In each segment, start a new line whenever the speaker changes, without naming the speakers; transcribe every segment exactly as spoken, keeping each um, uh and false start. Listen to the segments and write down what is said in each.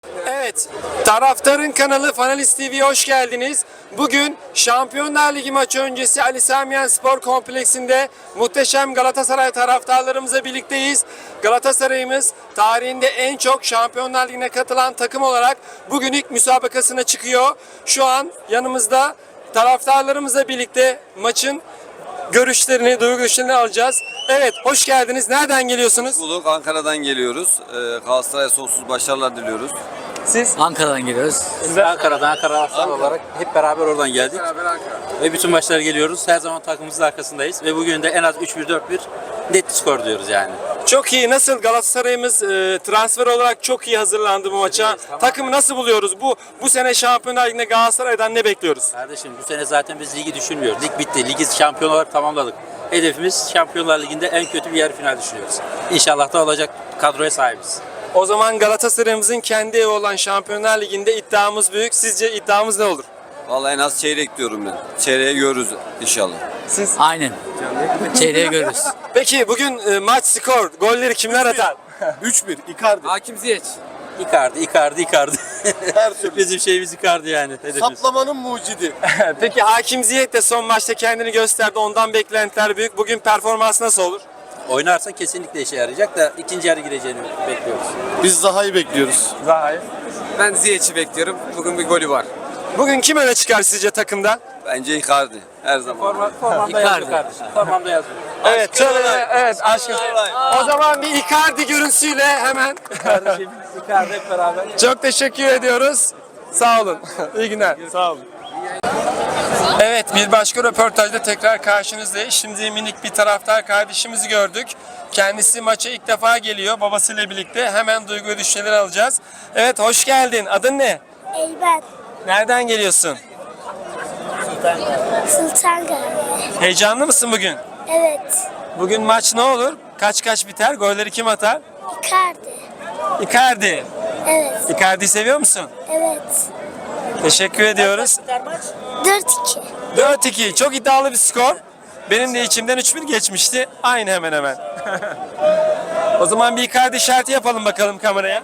Evet, Taraftarın kanalı Fanalist T V'ye hoş geldiniz. Bugün Şampiyonlar Ligi maçı öncesi Ali Sami Yen Spor Kompleksinde muhteşem Galatasaray taraftarlarımızla birlikteyiz. Galatasaray'ımız tarihinde en çok Şampiyonlar Ligi'ne katılan takım olarak bugün ilk müsabakasına çıkıyor. Şu an yanımızda taraftarlarımızla birlikte maçın görüşlerini, duygu görüşlerini alacağız. Evet, hoş geldiniz. Nereden geliyorsunuz?
Bulduk, Ankara'dan geliyoruz. Ee, Galatasaray'a sonsuz başarılar diliyoruz.
Siz?
Ankara'dan geliyoruz. Biz de Ankara'dan, Ankara Arslan olarak hep beraber oradan geldik.
Beraber Ankara.
Ve bütün maçlara geliyoruz. Her zaman takımımızın arkasındayız. Ve bugün de en az üç bir dört bir net bir skor diyoruz yani.
Çok iyi. Nasıl Galatasaray'ımız e, transfer olarak çok iyi hazırlandı bu maça.
Evet, tamam.
Takımı nasıl buluyoruz? Bu bu sene Şampiyonlar Ligi'nde Galatasaray'dan ne bekliyoruz?
Kardeşim bu sene zaten biz ligi düşünmüyoruz. Lig bitti. Ligi şampiyon olarak tamamladık. Hedefimiz Şampiyonlar Ligi'nde en kötü bir yarı final düşünüyoruz. İnşallah da olacak kadroya sahibiz.
O zaman Galatasaray'ımızın kendi evi olan Şampiyonlar Ligi'nde iddiamız büyük. Sizce iddiamız ne olur?
Vallahi en az çeyrek diyorum ben. Çeyreği görürüz inşallah.
Siz?
Aynen. Çeyreğe görürüz.
Peki bugün e, maç skor, golleri kimler atar?
üç bir Icardi.
Hakim Ziyech. Icardi, Icardi, Icardi.
Her türlü.
Bizim şeyimiz Icardi yani. Hedefimiz.
Saplamanın mucidi.
Peki Hakim Ziyech de son maçta kendini gösterdi. Ondan beklentiler büyük. Bugün performans nasıl olur?
Oynarsa kesinlikle işe yarayacak da ikinci yarı gireceğini bekliyoruz.
Biz Zaha'yı bekliyoruz.
Zaha'yı.
Ben Ziyech'i bekliyorum. Bugün bir golü var.
Bugün kim öne çıkar sizce takımda?
Bence Icardi her zaman.
Formamda yazıyor kardeşim. Formamda yazıyor.
Evet, şöyle, evet aşkım. O zaman bir Icardi görüntüsüyle hemen.
Kardeşim, Icardi hep beraber.
Çok teşekkür ediyoruz. Sağ olun. İyi günler. Sağ olun. Evet, bir başka röportajda tekrar karşınızdayız. Şimdi minik bir taraftar kardeşimizi gördük. Kendisi maça ilk defa geliyor babasıyla birlikte. Hemen duygu ve düşünceleri alacağız. Evet, hoş geldin. Adın ne?
Eyben,
Nereden geliyorsun?
Sultan Gazi.
Heyecanlı mısın bugün?
Evet,
Bugün maç ne olur? Kaç kaç biter? Golleri kim atar?
Icardi.
Icardi.
Evet,
Icardi'yi seviyor musun?
evet.
Teşekkür ediyoruz.
dört iki.
dört iki. Çok iddialı bir skor. Benim de içimden üç bir geçmişti. Aynı hemen hemen. O zaman bir Icardi işareti yapalım bakalım kameraya.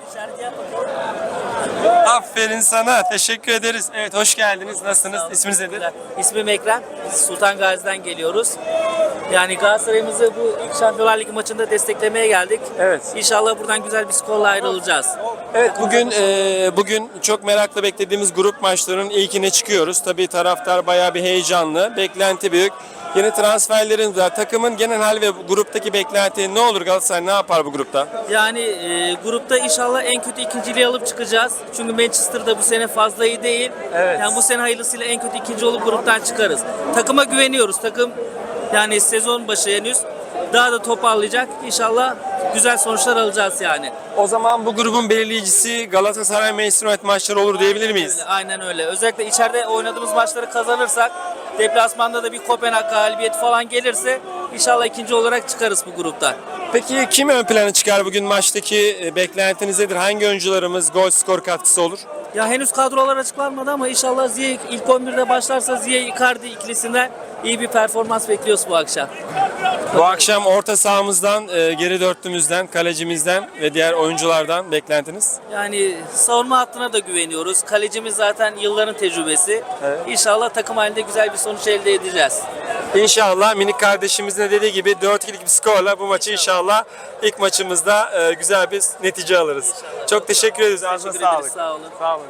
Aferin sana. Teşekkür ederiz. Evet, hoş geldiniz. Nasılsınız? İsminiz nedir?
İsmim Ekrem. Biz Sultan Gazi'den geliyoruz. Yani Galatasaray'ımızı bu ilk Şampiyonlar Ligi maçında desteklemeye geldik.
Evet.
İnşallah buradan güzel bir skorla ayrılacağız.
Evet, bugün e, bugün çok merakla beklediğimiz grup maçlarının ilkine çıkıyoruz. Tabii taraftar bayağı bir heyecanlı. Beklenti büyük. Yeni transferlerimiz var. Takımın genel hali ve gruptaki beklenti ne olur? Galatasaray ne yapar bu grupta?
Yani e, grupta inşallah en kötü ikinciliği alıp çıkacağız. Çünkü Manchester'da bu sene fazla iyi değil.
Evet.
Yani bu sene hayırlısıyla en kötü ikinci olup gruptan çıkarız. Takıma güveniyoruz. Takım yani sezon başı henüz daha da toparlayacak. İnşallah güzel sonuçlar alacağız yani.
O zaman bu grubun belirleyicisi Galatasaray Manchester United maçları olur diyebilir miyiz?
Aynen öyle. Özellikle içeride oynadığımız maçları kazanırsak, deplasmanda da bir Kopenhag galibiyeti falan gelirse inşallah ikinci olarak çıkarız bu gruptan.
Peki kim ön plana çıkar bugün maçtaki e, beklentiniz nedir? Hangi oyuncularımız gol skor katkısı olur?
Ya henüz kadrolar açıklanmadı ama inşallah Ziyech ilk on birde başlarsa Ziyech Icardi ikilisinden iyi bir performans bekliyoruz bu akşam.
Bu akşam orta sahamızdan, e, geri dörtlümüzden, kalecimizden ve diğer oyunculardan beklentiniz?
Yani savunma hattına da güveniyoruz. Kalecimiz zaten yılların tecrübesi. İnşallah takım halinde güzel bir sonuç elde edeceğiz.
İnşallah minik kardeşimizin de dediği gibi dört ikilik bir skorla bu maçı inşallah ilk maçımızda e, güzel bir netice alırız. Çok teşekkür ederiz. Ağzına
Teşekkür ederiz.
sağlık.
Sağ olun.
Sağ olun.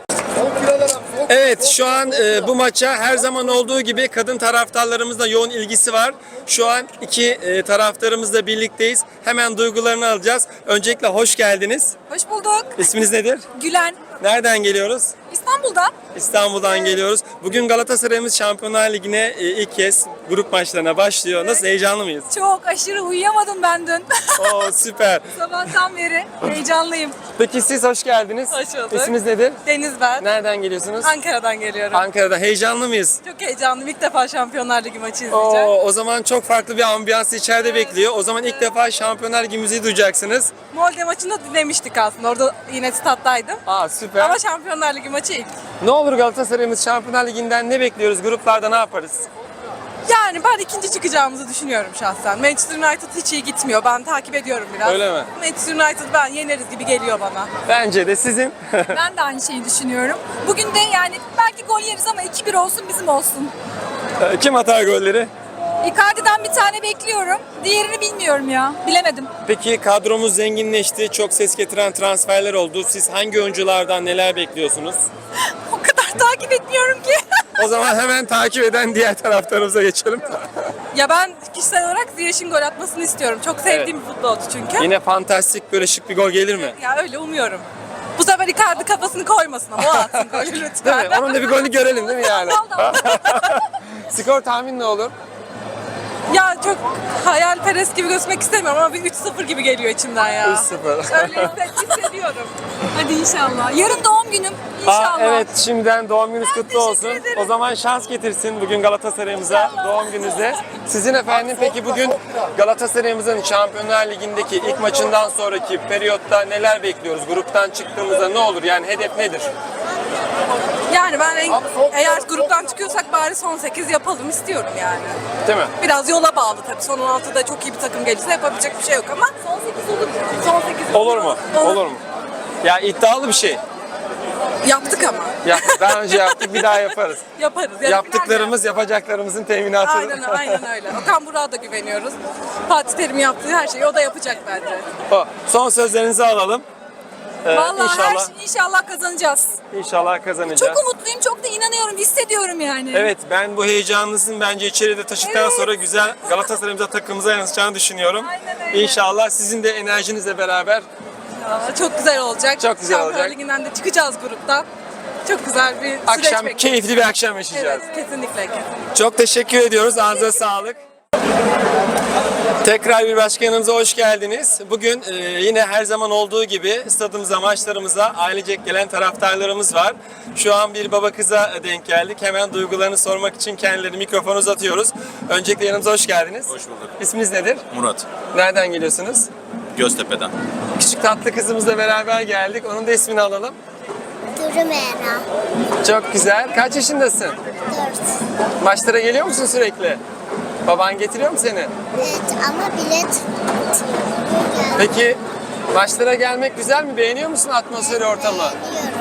Evet, şu an e, bu maça her zaman olduğu gibi kadın taraftarlarımızla yoğun ilgisi var. Şu an iki e, taraftarımızla birlikteyiz. Hemen duygularını alacağız. Öncelikle hoş geldiniz.
Hoş bulduk.
İsminiz nedir?
Gülen.
Nereden geliyoruz?
İstanbul'dan.
İstanbul'dan geliyoruz. Bugün Galatasaray'ımız Şampiyonlar Ligi'ne e, ilk kez grup maçlarına başlıyor. Nasıl, heyecanlı mıyız?
Çok aşırı uyuyamadım ben dün.
Oo, süper.
Sabahtan beri heyecanlıyım.
Peki siz hoş geldiniz.
Hoş bulduk.
İsminiz nedir?
Deniz ben.
Nereden geliyorsunuz?
Ankara'dan geliyorum.
Ankara'da. Heyecanlı mıyız?
Çok heyecanlıyım. İlk defa Şampiyonlar Ligi maçı izleyeceğim.
Oo, o zaman çok farklı bir ambiyans içeride bekliyor. O zaman ilk defa Şampiyonlar Ligi müziği duyacaksınız.
Molde maçını dinlemiştik aslında. Orada yine stat'taydım.
Aa, süper.
Ama Şampiyonlar Ligi maçı ilk.
Ne olur Galatasaray'ımız Şampiyonlar Ligi'nden ne bekliyoruz? Gruplarda ne yaparız?
Yani ben ikinci çıkacağımızı düşünüyorum şahsen. Manchester United hiç iyi gitmiyor. Ben takip ediyorum biraz.
Öyle mi?
Manchester United ben yeneriz gibi geliyor bana.
Bence de sizin.
Ben de aynı şeyi düşünüyorum. Bugün de yani belki gol yeriz ama iki bir olsun bizim olsun.
Kim atar golleri?
Icardi'den bir tane bekliyorum. Diğerini bilmiyorum ya. Bilemedim.
Peki kadromuz zenginleşti. Çok ses getiren transferler oldu. Siz hangi oyunculardan neler bekliyorsunuz?
O kadar takip etmiyorum ki.
O zaman hemen takip eden diğer taraftarımıza geçelim.
Ya ben kişisel olarak Ziyech'in gol atmasını istiyorum. Çok sevdiğim bir futbolcu çünkü.
Yine fantastik böyle şık bir gol gelir mi?
Ya öyle umuyorum. Bu sefer Icardi kafasını koymasın ama o atsın golü
Değil
lütfen.
mi? Onun da bir golünü görelim değil mi yani? Skor tahmin ne olur?
Ya çok hayalperest gibi gözükmek istemiyorum ama bir üç sıfır gibi geliyor içimden ya.
üç sıfır.
Öyle hisset- hissediyorum.
Hadi inşallah. Yarın doğum günüm.
Aa,
İnşallah.
evet, şimdiden doğum gününüz kutlu
teşekkür
olsun.
ederim.
O zaman şans getirsin bugün Galatasaray'ımıza doğum gününüze. Sizin efendim peki bugün Galatasaray'ımızın Şampiyonlar Ligi'ndeki ilk maçından sonraki periyotta neler bekliyoruz? Gruptan çıktığımızda ne olur? Yani hedef nedir?
Yani ben en- eğer gruptan çıkıyorsak bari son sekiz yapalım istiyorum yani.
Değil mi?
Biraz yola bağlı tabii. Son on altıda çok iyi bir takım gelirse yapabilecek bir şey yok ama son sekiz olur. Son sekiz
Olur mu? Olur mu? Ya iddialı bir şey.
Yaptık ama.
Ya, daha önce yaptık, bir daha yaparız.
Yaparız. Yani
Yaptıklarımız yapacaklarımızın teminatı.
Aynen, aynen öyle. Okan Burak'a da güveniyoruz. Fatih Terim yaptığı her şeyi o da yapacak bence.
O, son sözlerinizi alalım. Ee,
Vallahi
inşallah,
her şey inşallah kazanacağız.
inşallah kazanacağız.
Çok umutluyum, çok da inanıyorum, hissediyorum yani.
Evet, ben bu heyecanınızın bence içeride taşıdıktan
Evet.
sonra güzel Galatasaray'ımıza, takımımıza yansıyacağını düşünüyorum.
Aynen öyle.
İnşallah sizin de enerjinizle beraber
Ya, çok güzel olacak.
Çok güzel
Şampiyonlar
olacak.
Ligi'nden de çıkacağız gruptan. Çok güzel bir süreç
akşam
bekliyoruz.
keyifli bir akşam yaşayacağız.
Evet, kesinlikle, kesinlikle.
Çok teşekkür ediyoruz. Ağzınıza sağlık. Tekrar bir başka yanımıza hoş geldiniz. Bugün e, yine her zaman olduğu gibi stadımıza, maçlarımıza ailecek gelen taraftarlarımız var. Şu an bir baba kıza denk geldik. Hemen duygularını sormak için kendilerine mikrofonu uzatıyoruz. Öncelikle yanımıza hoş geldiniz.
Hoş bulduk.
İsminiz nedir?
Murat,
Nereden geliyorsunuz?
Göztepe'den.
Küçük tatlı kızımızla beraber geldik. Onun da ismini alalım.
Duru Mera.
Çok güzel. Kaç yaşındasın?
Dört.
Maçlara geliyor musun sürekli? Baban getiriyor mu seni?
Evet ama bilet bitiyor. Bugün geldim.
Peki maçlara gelmek güzel mi? Beğeniyor musun atmosferi, ortamı?
Beğeniyorum.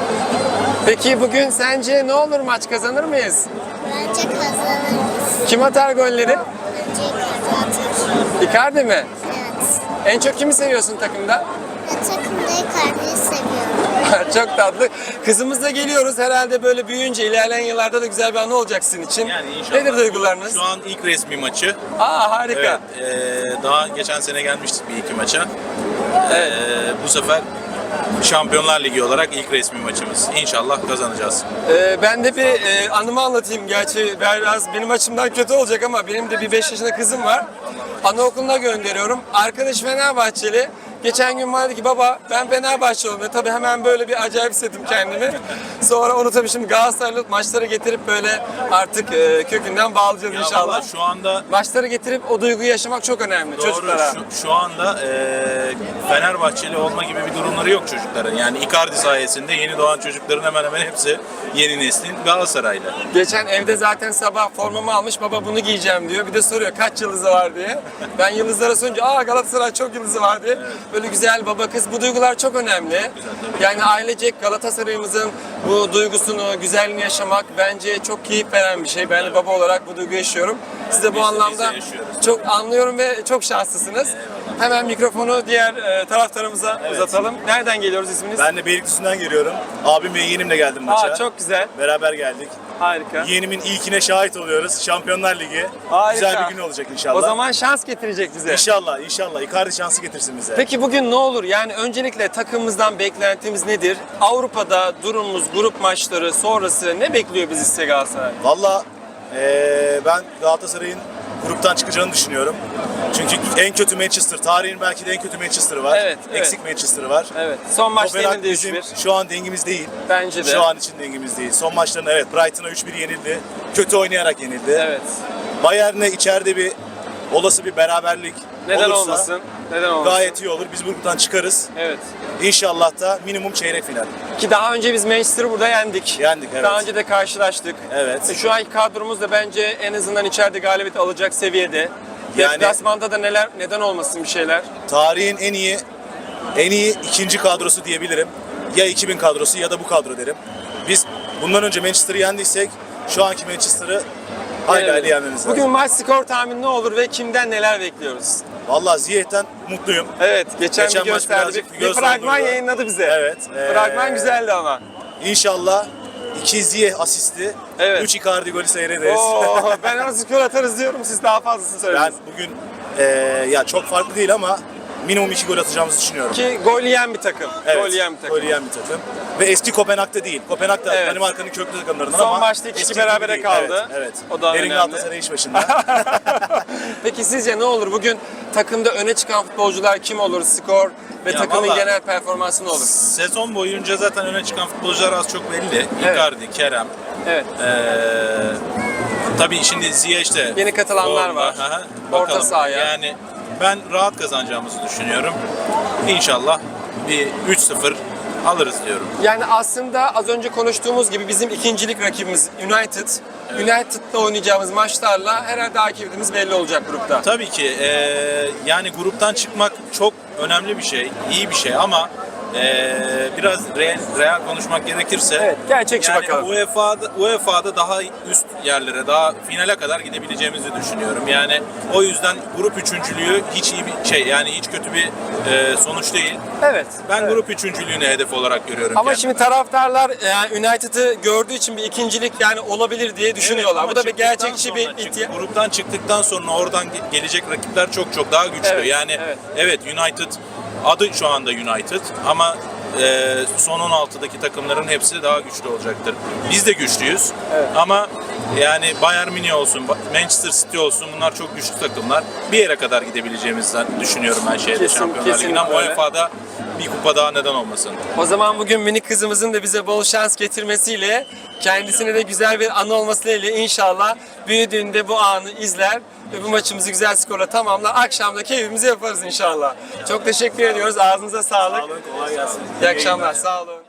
Peki bugün sence ne olur, maç kazanır mıyız?
Bence kazanırız.
Kim atar golleri?
Bence Icardi atar.
Icardi mi?
Evet.
En çok kimi seviyorsun takımda?
Ben takımda Icardi'yi seviyorum.
Çok tatlı. Kızımızla geliyoruz. Herhalde böyle büyüyünce ilerleyen yıllarda da güzel bir anı olacak sizin için.
Yani inşallah.
Nedir duygularınız?
Şu an ilk resmi maçı.
Aa, harika.
Evet. eee, daha geçen sene gelmiştik bir iki maça. Eee, bu sefer Şampiyonlar Ligi olarak ilk resmi maçımız. İnşallah kazanacağız.
Ee, ben de bir e, anımı anlatayım. Gerçi biraz benim açımdan kötü olacak ama benim de bir beş yaşında kızım var. Anaokuluna gönderiyorum. Arkadaş Fenerbahçeli. Geçen gün bana dedi ki baba ben Fenerbahçe oldum. Tabii hemen böyle bir acayip hissettim kendimi. Sonra onu tabii şimdi Galatasaraylı maçlara getirip böyle artık e, kökünden bağlayacağız
Ya
inşallah.
vallahi şu anda
Maçları getirip o duyguyu yaşamak çok önemli
doğru
çocuklara.
şu, şu anda eee Fenerbahçeli olma gibi bir durumları yok çocukların. Yani Icardi sayesinde yeni doğan çocukların hemen hemen hepsi yeni neslin Galatasaraylı.
Geçen evde zaten sabah formamı almış, baba bunu giyeceğim diyor. Bir de soruyor kaç yıldızı var diye. Ben yıldızlara sorunca aa Galatasaray çok yıldızı var diye. Böyle güzel baba kız, bu duygular çok önemli. Yani ailecek Galatasaray'ımızın bu duygusunu, güzelliğini yaşamak bence çok keyif veren bir şey. Ben de baba olarak bu duyguyu yaşıyorum. Siz de bu
Biz de-
anlamda
biz de yaşıyoruz.
çok anlıyorum ve çok şanslısınız. Hemen mikrofonu diğer e, taraftarımıza uzatalım. Nereden geliyoruz, isminiz?
Ben de Beylikdüzü'nden geliyorum. Abim ve yeğenimle geldim maça.
Aa, çok güzel.
Beraber geldik.
Harika.
Yeğenimin ilkine şahit oluyoruz. Şampiyonlar Ligi.
Harika.
Güzel bir gün olacak inşallah.
O zaman şans getirecek bize.
İnşallah, inşallah. Icardi şansı getirsin bize.
Peki bugün ne olur? Yani öncelikle takımımızdan beklentimiz nedir? Avrupa'da durumumuz, grup maçları sonrası ne bekliyor bizi size Galatasaray?
Valla eee, ben Galatasaray'ın gruptan çıkacağını düşünüyorum. Çünkü en kötü Manchester, tarihin belki de en kötü Manchester'ı var.
Evet, evet.
Eksik Manchester'ı var.
Evet. Son maçta
Kopenhag
yenildi üç
bizim
bir.
şu an dengimiz değil.
Bence de.
Şu an için dengimiz değil. Son maçlarında evet Brighton'a üç bir yenildi. Kötü oynayarak yenildi.
Evet.
Bayern'e içeride bir olası bir beraberlik
Neden
olursa
olmasın? Neden olmasın?
gayet iyi olur. Biz bu gruptan çıkarız.
Evet.
İnşallah da minimum çeyrek final.
Ki daha önce biz Manchester'ı burada yendik.
Yendik, evet.
Daha önce de karşılaştık.
Evet.
E, Şu anki kadromuz da bence en azından içeride galibiyet alacak seviyede.
Yani-
Deplasmanda da neler neden olmasın bir şeyler.
Tarihin en iyi en iyi ikinci kadrosu diyebilirim. Ya iki bin kadrosu ya da bu kadro derim. Biz bundan önce Manchester'ı yendiysek şu anki Manchester'ı hayli
Evet.
hayli yenmemiz lazım.
Bugün maç skor tahmini ne olur ve kimden neler bekliyoruz?
Vallahi Ziyech'ten mutluyum.
Evet, geçen,
Geçen
bir
maç
gösterdi.
birazcık
Bir,
göz
bir fragman
dondurdu.
yayınladı bize.
Evet. ee,
Fragman güzeldi ama.
İnşallah iki Ziyech asisti,
Evet.
üç Icardi golü seyrederiz.
Oo, ben ona skor atarız diyorum, siz daha fazlasını
Ben
söylediniz.
bugün ee, ya çok farklı değil ama minimum iki gol atacağımızı düşünüyorum.
Ki gol yiyen bir takım.
Evet,
Gol yiyen bir takım.
gol yiyen bir takım. Ve eski Kopenhag'da değil. Kopenhag da
Evet.
Danimarka'nın köklü takımlarından
Son
ama
maçta iki
eski
iki berabere
gibi değil.
kaldı.
Evet, evet.
O da
Derin
önemli.
Galatasaray iş başında.
Peki sizce ne olur? Bugün takımda öne çıkan futbolcular kim olur? Skor ve
Ya
takımın
vallahi-
genel performansı ne olur?
Sezon boyunca zaten öne çıkan futbolcular az çok belli.
Evet.
Icardi, Kerem.
Evet.
Ee, tabii şimdi Ziyech de
Yeni katılanlar
formda.
var.
Aha,
Orta
bakalım.
sahaya.
Yani ben rahat kazanacağımızı düşünüyorum. İnşallah bir üç sıfır alırız diyorum.
Yani aslında az önce konuştuğumuz gibi bizim ikincilik rakibimiz United. United'la oynayacağımız maçlarla herhalde akibimiz belli olacak grupta.
Tabii ki ee, yani gruptan çıkmak çok önemli bir şey, iyi bir şey ama ee, biraz real, real konuşmak gerekirse
Evet, gerçekçi
yani
bakalım.
U E F A'da U E F A'da daha üst yerlere, daha finale kadar gidebileceğimizi düşünüyorum. Yani o yüzden grup üçüncülüğü hiç iyi bir şey, yani hiç kötü bir ee, sonuç değil.
Evet.
Ben
evet.
grup üçüncülüğünü hedef olarak görüyorum.
Ama
kendime.
şimdi taraftarlar yani United'ı gördüğü için bir ikincilik yani olabilir diye düşünüyorlar.
Evet,
Bu da
ama
bir
çıktıktan
gerçekçi bir
sonra, çık-
ihtiyaç.
Gruptan çıktıktan sonra oradan ge- gelecek rakipler çok çok daha güçlü.
Evet,
yani
evet.
evet. United adı şu anda United ama e, son on altıdaki takımların hepsi daha güçlü olacaktır. Biz de güçlüyüz ama yani Bayern Münih olsun, Manchester City olsun bunlar çok güçlü takımlar. Bir yere kadar gidebileceğimizden düşünüyorum ben şeyde
Kesin-
Şampiyonlar
kesinlikle
Ligi'nden.
öyle.
U E F A'da bir kupa daha neden olmasın.
O zaman bugün minik kızımızın da bize bol şans getirmesiyle kendisine de güzel bir anı olmasıyla inşallah büyüdüğünde bu anı izler ve bu maçımızı güzel skorla tamamlar. Akşam da keyfimizi yaparız inşallah. Çok teşekkür ediyoruz. Ağzınıza sağlık.
Sağ olun, kolay gelsin.
İyi akşamlar. Sağ olun.